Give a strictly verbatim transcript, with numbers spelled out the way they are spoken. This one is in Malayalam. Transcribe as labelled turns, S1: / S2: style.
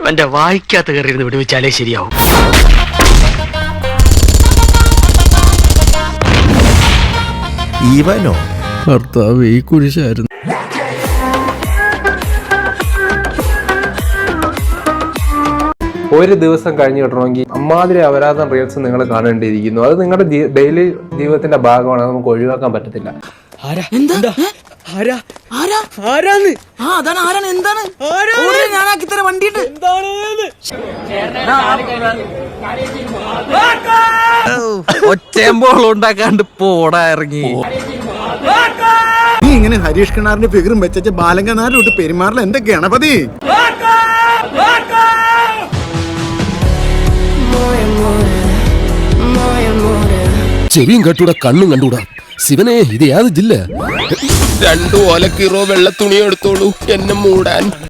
S1: എന്റെ വായിക്കാത്ത കയറിയിരുന്ന് വിടുവിച്ചാലേ ശരിയാവും.
S2: ഇവനോ
S3: ഭർത്താവ് ഈ കുരിശായിരുന്നു.
S4: ഒരു ദിവസം കഴിഞ്ഞ് കിട്ടണമെങ്കിൽ അമ്മാതിരി അപരാധം റീൽസ് നിങ്ങൾ കാണേണ്ടിയിരിക്കുന്നു. അത് നിങ്ങളുടെ ഡെയിലി ജീവിതത്തിന്റെ ഭാഗമാണ്, നമുക്ക് ഒഴിവാക്കാൻ പറ്റത്തില്ല.
S2: ഒച്ചയമ്പോൾ ഉണ്ടാക്കാണ്ട് പോടാ ഇറങ്ങി.
S3: നീ ഇങ്ങനെ ഹരീഷ് കിണാറിന്റെ ഫിഗറും വെച്ച ബാലങ്കനാരോട്ട് പെരുമാറില്ല എന്റെ ഗണപതി.
S5: ചെവിയും കണ്ടൂടാ കണ്ണും കണ്ടൂടാ. ശിവനെ ഇത് യാതൊരു ജില്ല. രണ്ടു ഓലക്കീറോ വെള്ള തുണിയോ എടുത്തോളൂ എന്നെ മൂടാൻ.